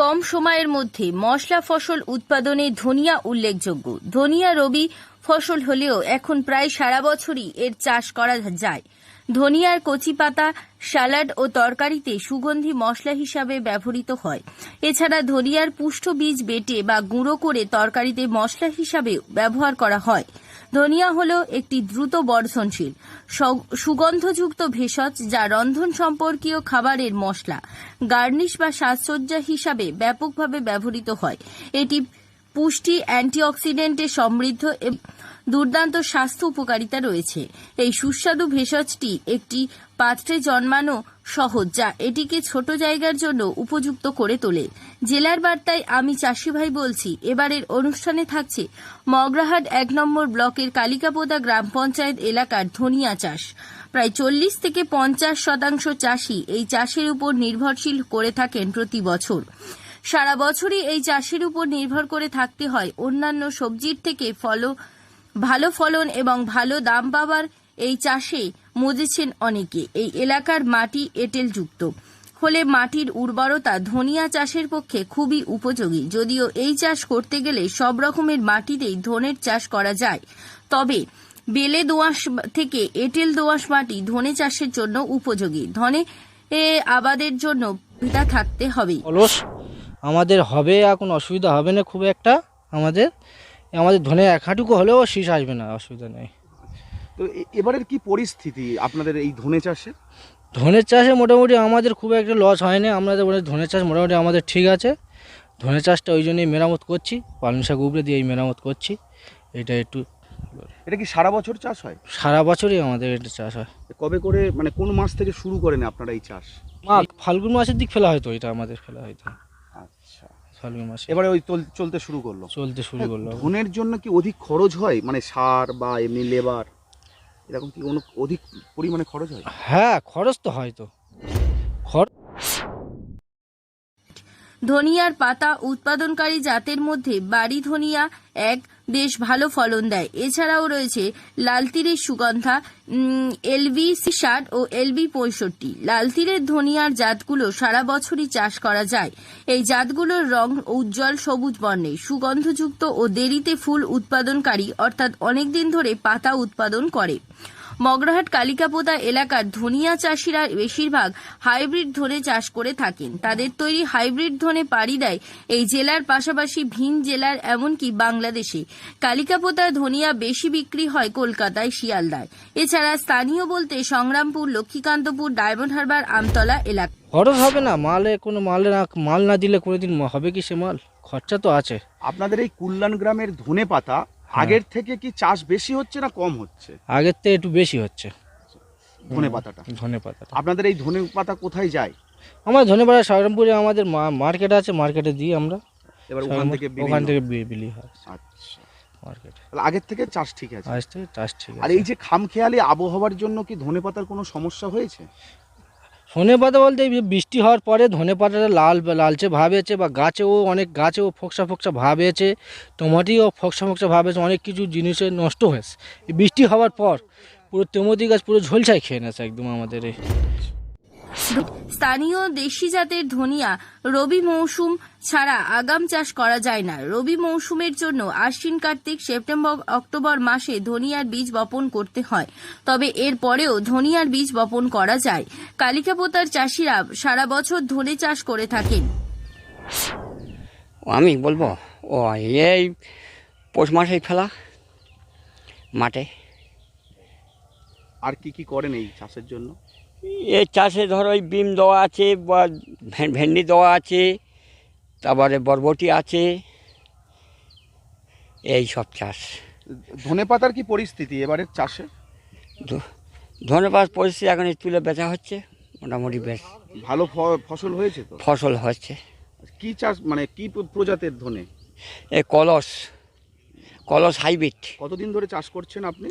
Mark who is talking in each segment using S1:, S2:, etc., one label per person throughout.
S1: কম সময়ের মধ্যে মশলা ফসল উৎপাদনে ধনিয়া উল্লেখযোগ্য। ধনিয়া রবি ফসল হলেও এখন প্রায় সারা বছরই এর চাষ করা যায়। ধনিয়ার কচি পাতা স্যালাড ও তরকারিতে সুগন্ধি মশলা হিসাবে ব্যবহৃত হয়। এছাড়া ধনিয়ার পুষ্ট বীজ বেটে বা গুঁড়ো করে তরকারিতে মশলা হিসাবে ব্যবহার করা হয়। ধনিয়া হলো একটি দ্রুত বর্ধনশীল সুগন্ধযুক্ত ভেষজ, যা রন্ধন সম্পর্কীয় খাবারের মশলা, গার্নিশ বা সাজসজ্জা হিসাবে ব্যাপকভাবে ব্যবহৃত হয়। এটি পুষ্টি, অ্যান্টিঅক্সিডেন্টে সমৃদ্ধ এবং দুর্দান্ত স্বাস্থ্য উপকারিতা রয়েছে। এই সুস্বাদু ভেষজটি একটি পাত্রে জন্মানো সহজ, যা এটিকে ছোট জায়গার জন্য উপযুক্ত করে তোলে। জেলার বার্তায় আমি চাষি ভাই বলছি এবারের অনুষ্ঠানে থাকছে মগরাহাট ১ নম্বর ব্লকের কালিকাপোতা গ্রাম পঞ্চায়েত এলাকার ধনিয়া চাষ। প্রায় ৪০ থেকে ৫০% চাষি এই চাষের উপর নির্ভরশীল করে থাকেন প্রতি বছর। সারা বছরই এই চাষের উপর নির্ভর করে থাকতে হয়। অন্যান্য সবজির থেকে ভালো ফলন এবং ভালো দাম পাওয়ার এই চাষে মজেছেন অনেকে। এই এলাকার মাটি এঁটেলযুক্ত হলে মাটির উর্বরতা ধনিয়া চাষের পক্ষে খুবই উপযোগী। যদিও এই চাষ করতে গেলে সব রকমের মাটিতেই ধনের চাষ করা যায়, তবে বেলে দোআঁশ থেকে এঁটেল দোআঁশ মাটি ধনে চাষের জন্য উপযোগী। ধনে আবাদের জন্য সুবিধা থাকতে হবে।
S2: আমাদের হবে, এখন অসুবিধা হবে না খুব একটা। আমাদের ধনে এক হাঁটুকু হলেও শীষ আসবে না, অসুবিধা নেই।
S3: তো এবারের কি পরিস্থিতি আপনাদের এই ধনে চাষে?
S2: ধনের চাষে মোটামুটি আমাদের খুব একটা লস হয়নি। আমাদের ধনের চাষ মোটামুটি আমাদের ঠিক আছে। ধনের চাষটা ওই জন্যই মেরামত করছি, পালং শাক উপরে দিয়ে এই মেরামত করছি। এটা
S3: কি সারা বছর চাষ হয়?
S2: সারা বছরই আমাদের এটা চাষ হয়।
S3: কবে করে, মানে কোন মাস থেকে শুরু করেন আপনারা এই চাষ?
S2: ফাল্গুন মাসের দিক ফেলা হয়তো, এটা আমাদের ফেলা হয়তো।
S3: আচ্ছা,
S2: ফাল্গুন মাসে
S3: এবারে ওই চলতে শুরু করলো। ধনের জন্য কি অধিক খরচ হয়, মানে সার বা এমনি লেবার এরকম কি অধিক পরিমাণে খরচ হয়?
S2: হ্যাঁ, খরচ তো হয় তো।
S1: ধনিয়ার পাতা উৎপাদনকারী জাতের মধ্যে বাড়ি ধনিয়া এক বেশ ভালো ফলন দেয়। এছাড়াও রয়েছে লালতীরের সুগন্ধা, LB 60 ও LB 65। লালতীরের ধনিয়ার জাতগুলো সারা বছরই চাষ করা যায়। এই জাতগুলোর রং উজ্জ্বল সবুজ বর্ণের, সুগন্ধযুক্ত ও দেরিতে ফুল উৎপাদনকারী, অর্থাৎ অনেকদিন ধরে পাতা উৎপাদন করে। মগরাহাট কালিকাপোতা এলাকার ধনিয়া চাষিরা বেশিরভাগ হাইব্রিড ধনে চাষ করে থাকেন। তাদের তৈরি হাইব্রিড ধনে পাড়ি দেয় এই জেলার পাশাপাশি ভিন জেলার, এমনকি বাংলাদেশে। কালিকাপোতা ধনিয়া বেশি বিক্রি হয় কলকাতায়, শিয়ালদায়। এছাড়া স্থানীয় বলতে সংগ্রামপুর, লক্ষ্মীকান্তপুর, ডায়মন্ড হারবার, আমতলা এলাকা।
S2: খরচ হবে না, মাল না দিলে কোনোদিন হবে কি সে মাল? খরচা তো আছে।
S3: আপনাদের এই কুল্লান গ্রামের ধনে পাতা আগের থেকে কি চাষ বেশি হচ্ছে না কম হচ্ছে?
S2: আগের থেকে একটু বেশি হচ্ছে
S3: ধনে পাতাটা। আপনাদের এই ধনে পাতা কোথায় যায়?
S2: আমার ধনে পাতা সংগ্রামপুরে আমাদের মার্কেট আছে, মার্কেটে দিই আমরা।
S3: এবার ওখান থেকে
S2: বিলি হয়।
S3: আচ্ছা,
S2: মার্কেটে
S3: আগের থেকে চাষ ঠিক আছে।
S2: আর
S3: এই যে খামখেয়ালি আবহাওয়ার জন্য কি ধনে পাতার কোনো সমস্যা হয়েছে?
S2: ধনে পাতা বলতে বৃষ্টি হওয়ার পরে ধনে পাতাটা লালচে ভাব এসেছে, বা অনেক গাছেও ফোকসা ভাব এসেছে, টমাটিও ফোকসা ভাব এসেছে, অনেক কিছু জিনিসের নষ্ট হয়েছে। বৃষ্টি হওয়ার পর পুরো টমেটি গাছ পুরো ঝোলছাই খেয়ে নেছে একদম আমাদের।
S1: স্থানীয় দেশি জাতের ধনিয়া রবি মৌসুম ছাড়া আগাম চাষ করা যায় না। রবি মৌসুমের জন্য আশ্বিন, কার্তিক, সেপ্টেম্বর, অক্টোবর মাসে ধনিয়ার বীজ বপন করতে হয়। তবে এর পরেও ধনিয়ার বীজ বপন করা যায়। কালিকাপোতার চাষিরা সারা বছর ধনে চাষ করে থাকেন।
S4: আমি বলবো এই পৌষ মাসেই ফেলা মাঠে।
S3: আর কি করেন এই চাষের জন্য?
S4: এই চাষে ধরো ওই বিম দেওয়া আছে, বা ভেন্ডি দেওয়া আছে, তারপরে বরবটি আছে, এই সব চাষ।
S3: ধনে পাতার কি পরিস্থিতি এবারের চাষে?
S4: ধনে পাতার পরিস্থিতি এখন তুলে বেচা হচ্ছে, মোটামুটি বেশ
S3: ভালো ফসল হয়েছে তো?
S4: ফসল হচ্ছে।
S3: কি চাষ, মানে কি প্রজাতির ধনে?
S4: এই কলস হাইব্রিড।
S3: কতদিন ধরে চাষ করছেন আপনি?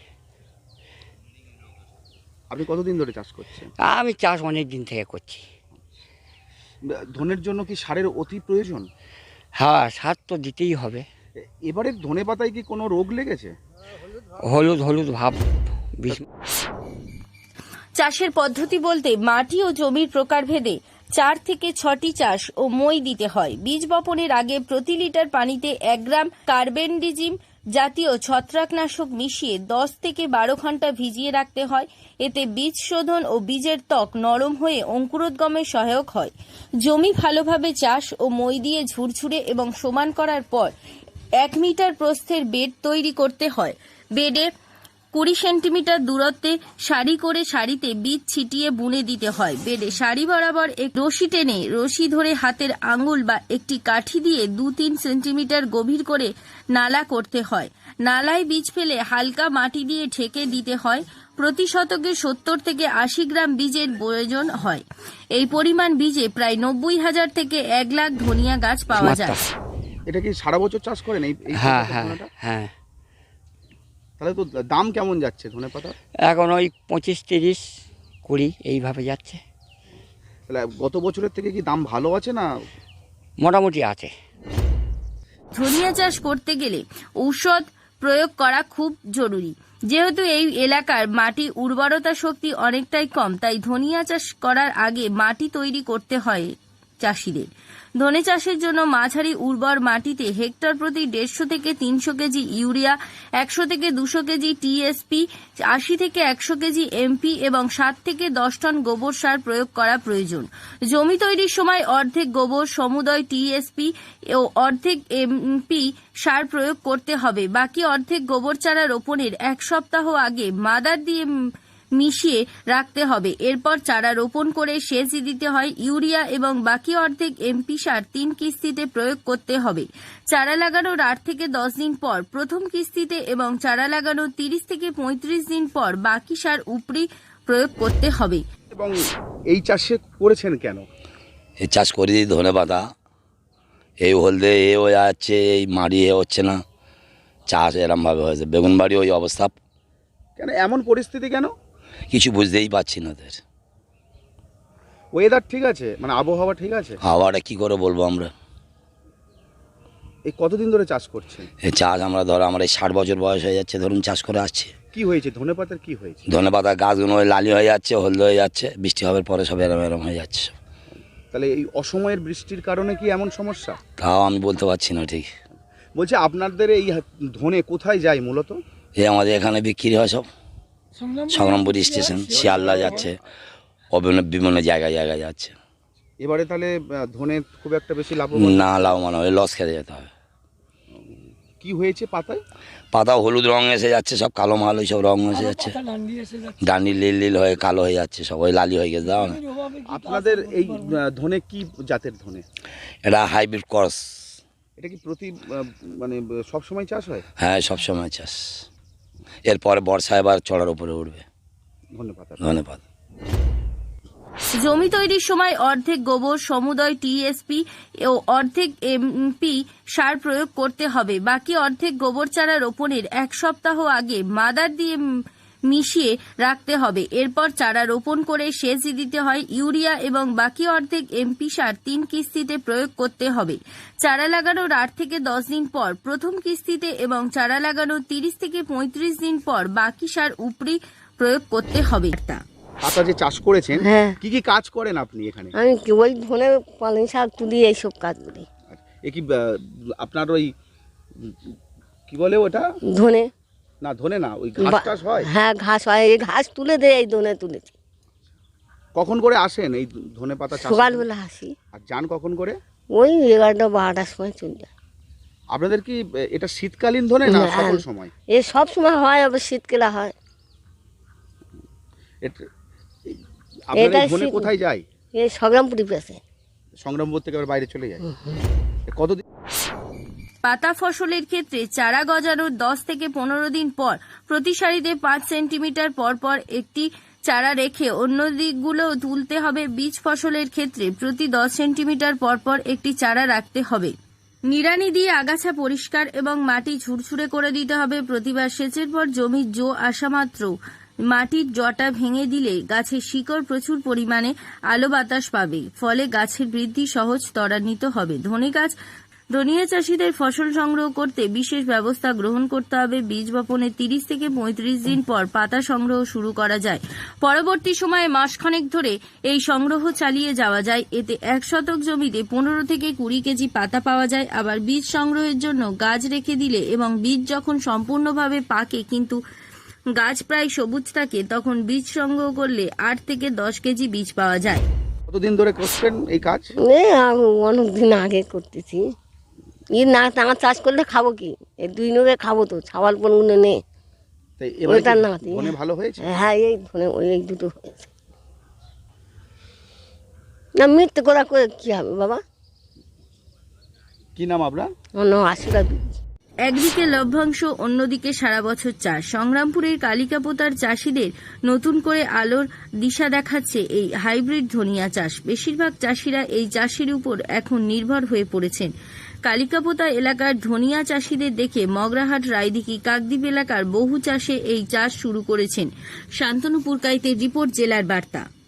S3: কতদিন ধরে চাষ করছেন?
S4: আমি চাষ অনেক দিন থেকে করছি।
S3: ধনের জন্য কি সারের অতি প্রয়োজন?
S4: হ্যাঁ, সার তো দিতেই হবে।
S3: এবারের ধনে পাতায় কি কোনো রোগ লেগেছে?
S4: হলুদ ভাব।
S1: চাষের পদ্ধতি বলতে মাটি ও জমির প্রকারভেদে 4 থেকে 6টি চাষ ও মই দিতে হয়। বীজ বপনের আগে প্রতি লিটার পানিতে 1 গ্রাম কার্বেন্ডিজিম জাতীয় ছত্রাকনাশক মিশিয়ে 10 থেকে 12 ঘন্টা ভিজিয়ে রাখতে হয়। এতে বীজ শোধন ও বীজের ত্বক নরম হয়ে অঙ্কুরোদ্গমে সহায়ক হয়। জমি ভালোভাবে চাষ ও মই দিয়ে ঝুরঝুরে এবং সমান করার পর 1 মিটার প্রস্থের বেড তৈরি করতে হয়। বেডে 20 সেন্টিমিটার দূরত্বে সারি করে সারিতে বীজ ছিটিয়ে বুনে দিতে হয়। বেডে সারি বরাবর এক রশি টেনে রশি ধরে হাতের আঙুল বা একটি কাঠি দিয়ে 2-3 সেন্টিমিটার গভীর করে নালা করতে হয়। নালায় বীজ ফেলে হালকা মাটি দিয়ে ঢেকে দিতে হয়। প্রতি শতকে 70 থেকে 80 গ্রাম বীজের প্রয়োজন হয়। এই পরিমাণ বীজে প্রায় 90,000 থেকে 1 লাখ ধনিয়া গাছ পাওয়া যায়।
S3: এটা কি সারা বছর চাষ করেন এই
S4: হ্যাঁ
S3: ধনেটা?
S4: হ্যাঁ।
S3: তাহলে তো দাম কেমন যাচ্ছে ধনেপাতা?
S4: এখন ওই 25, 30, 20 এইভাবে যাচ্ছে।
S3: তাহলে গত বছরের থেকে কি দাম ভালো আছে না?
S4: মোটামুটি আছে।
S1: ধনিয়া চাষ করতে গেলে ঔষধ প্রয়োগ করা খুব জরুরি। যেহেতু এই এলাকার মাটি উর্বরতা শক্তি অনেকটাই কম, তাই ধনিয়া চাষ করার আগে মাটি তৈরি করতে হয় চাষিদের। ধনে চাষের জন্য মাঝারি উর্বর মাটিতে হেক্টর প্রতি 150 থেকে 300 কেজি ইউরিয়া, 100 থেকে 200 কেজি টিএসপি, 80 থেকে 100 কেজি এমপি এবং 7 থেকে 10 টন গোবর সার প্রয়োগ করা প্রয়োজন। জমি তৈরির সময় অর্ধেক গোবর সমুদয় টিএসপি ও অর্ধেক এমপি সার প্রয়োগ করতে হবে। বাকি অর্ধেক গোবর চারা রোপণের 1 সপ্তাহ আগে মাদার দিয়ে মিশিয়ে রাখতে হবে। এরপর চারা রোপণ করে সেচ দিতে হয়। ইউরিয়া এবং বাকি অর্ধেক এমপি সার 3 কিস্তিতে প্রয়োগ করতে হবে। চারা লাগানোর 8 থেকে 10 দিন পর প্রথম কিস্তিতে এবং চারা লাগানোর 30 থেকে 35 দিন পর বাকি সার উপরি প্রয়োগ করতে হবে।
S3: এবং এই চাষে করেছেন কেন?
S5: এই চাষ করে দিই ধনেপাতা, এই হলদে এ হয়ে যাচ্ছে, এই মাড়ি এ হচ্ছে না, চাষ এরমভাবে হয়েছে। বেগুন বাড়ি ওই অবস্থা।
S3: কেন এমন পরিস্থিতি কেন?
S5: কিছু বুঝতেই পারছি না ওদের।
S3: ওয়েদার ঠিক আছে, মানে আবহাওয়া ঠিক আছে?
S5: হাওয়াটা কী করে বলবো আমরা?
S3: এই কতদিন ধরে চাষ করছেন?
S5: এই চাষ আমরা ধরো আমার এই 60 বছর বয়স হয়ে যাচ্ছে ধরুন চাষ করে আসছে।
S3: কি হয়েছে ধনেপাতার, কি হয়েছে?
S5: ধনেপাতা গাছগুলো ওই লালি হয়ে যাচ্ছে, হলদে হয়ে যাচ্ছে, বৃষ্টি হওয়ার পরে সব এরম এরম হয়ে যাচ্ছে সব।
S3: তাহলে এই অসময়ের বৃষ্টির কারণে কি এমন সমস্যা?
S5: তাও আমি বলতে পারছি না ঠিক।
S3: বলছি আপনাদের এই ধনে কোথায় যায় মূলত?
S5: এই আমাদের এখানে বিক্রি হয় সব, সংগ্রামপুর স্টেশন, শিয়ালদা যাচ্ছে, বিভিন্ন জায়গায় জায়গায় যাচ্ছে।
S3: এবারে তাহলে ধনে খুব একটা বেশি লাভ
S5: না লাভ মানে ওই লস খেতে যেতে হবে।
S3: কি হয়েছে পাতায়?
S5: পাতা হলুদ রং এসে যাচ্ছে, সব কালো মাল ওই সব রং এসে যাচ্ছে, ডান্ডি লীল লীল হয়ে কালো হয়ে যাচ্ছে, সব ওই লালি হয়ে গেছে। দাও না,
S3: আপনাদের এই ধনে কি জাতের ধনে?
S5: এটা হাইব্রিড ক্রস।
S3: এটা কি প্রতি মানে সব সময় চাষ হয়?
S5: হ্যাঁ সব সময় চাষ। এরপরে বর্ষা এবার চড়ার উপরে উঠবে
S3: ধন্যবাদ।
S5: ধন্যবাদ।
S1: জমি তৈরির সময় অর্ধেক গোবর সমুদয় টিএসপি ও অর্ধেক এমপি সার প্রয়োগ করতে হবে। বাকি অর্ধেক গোবর চারা রোপণের 1 সপ্তাহ আগে মাদার দিয়ে মিশিয়ে রাখতে হবে। এরপর চারা রোপণ করে সেচ দিতে হয়। ইউরিয়া এবং বাকি অর্ধেক এমপি সার 3 কিস্তিতে প্রয়োগ করতে হবে। চারা লাগানোর 8 থেকে 10 দিন পর প্রথম কিস্তিতে এবং চারা লাগানোর 30 থেকে 35 দিন পর বাকি সার উপরি প্রয়োগ করতে হবে।
S3: পাতা যে চাষ করেছেন,
S6: হ্যাঁ।
S3: কি কি কাজ করেন আপনি এখানে?
S6: আমি কি ওই ধনে পালং শাক তুলি এইসব কাজ করি।
S3: এ কি আপনার ওই কি বলে ওটা?
S6: ধনে
S3: না ধনে না, ওই ঘাস টাস হয়?
S6: হ্যাঁ ঘাস হয়, এই ঘাস তুলে দেয়, এই ধনে তুলেছি।
S3: কখন করে আসেন এই ধনে পাতা চাষ?
S6: সকালবেলা আসি,
S3: আর যান কখন করে?
S6: ওই 11টা 12টার সময় চলে যায়।
S3: আপনাদের কি এটা শীতকালীন ধনে না সকল সময়?
S6: এ সব সময় হয়, আবার শীতকালে হয়।
S3: আপনাদের
S6: এটাই
S3: ধনে
S6: শীত।
S3: কোথায় যায়?
S6: এই সংগ্রামপুরি পেছে
S3: সংগ্রামপুর থেকে আবার বাইরে চলে যায়? কতদিন?
S1: পাতা ফসলের ক্ষেত্রে চারা গজানোর 10 থেকে 15 দিন পর প্রতি সারিতে 5 সেন্টিমিটার পর পর একটি চারা রেখে অন্য দিকগুলো তুলতে হবে। বীজ ফসলের ক্ষেত্রে প্রতি 10 সেন্টিমিটার পর পর একটি চারা রাখতে হবে। নিড়ানি দিয়ে আগাছা পরিষ্কার এবং মাটি ঝুরঝুরে করে দিতে হবে। প্রতিবার সেচের পর জমির জো আসা মাত্র মাটির জটা ভেঙে দিলে গাছের শিকড় প্রচুর পরিমাণে আলো বাতাস পাবে, ফলে গাছের বৃদ্ধি সহজ ত্বরান্বিত হবে। ধনে গাছ ধনিয়া চাষিদের ফসল সংগ্রহ করতে বিশেষ ব্যবস্থা গ্রহণ করতে হবে। বীজ বপনের 30 থেকে 35 দিন পর পাতা সংগ্রহ শুরু করা যায়। পরবর্তী সময়ে মাসখানেক ধরে এই সংগ্রহ চালিয়ে যাওয়া যায়। এতে 1 শতক জমিতে 15 থেকে 20 কেজি পাতা পাওয়া যায়। আবার বীজ সংগ্রহের জন্য গাছ রেখে দিলে এবং বীজ যখন সম্পূর্ণভাবে পাকে কিন্তু গাছ প্রায় সবুজ থাকে, তখন বীজ সংগ্রহ করলে 8 থেকে 10 কেজি বীজ পাওয়া যায়।
S3: কতদিন ধরে করছেন এই কাজ?
S6: অনেক দিন আগে করতেছি। না আমার চাষ করলে খাবো কি, এই 2 নগে খাবো তো, ছাওয়াল পনগুলো নেই।
S3: তাই এবারে
S6: ওটা না,
S3: কি ধনে ভালো হয়েছে?
S6: হ্যাঁ এই ধনে এই দুটো হয়েছে। না মৃত্যু করা করে কি হবে বাবা?
S3: কি নাম আপনার?
S6: আমার নাম আশুরা বিবি।
S1: একদিকে লভ্যাংশ, অন্যদিকে সারা বছর চাষ। সংগ্রামপুরের কালিকাপোতার চাষিদের নতুন করে আলোর দিশা দেখাচ্ছে এই হাইব্রিড ধনিয়া চাষ। বেশিরভাগ চাষিরা এই চাষের উপর এখন নির্ভর হয়ে পড়েছেন। কালিকাপোতা এলাকার ধনিয়া চাষিদের দেখে মগরাহাট, রায়দিঘি, কাকদ্বীপ এলাকার বহু চাষে এই চাষ শুরু করেছেন। শান্তনু পুরকাইতের রিপোর্ট, জেলার বার্তা।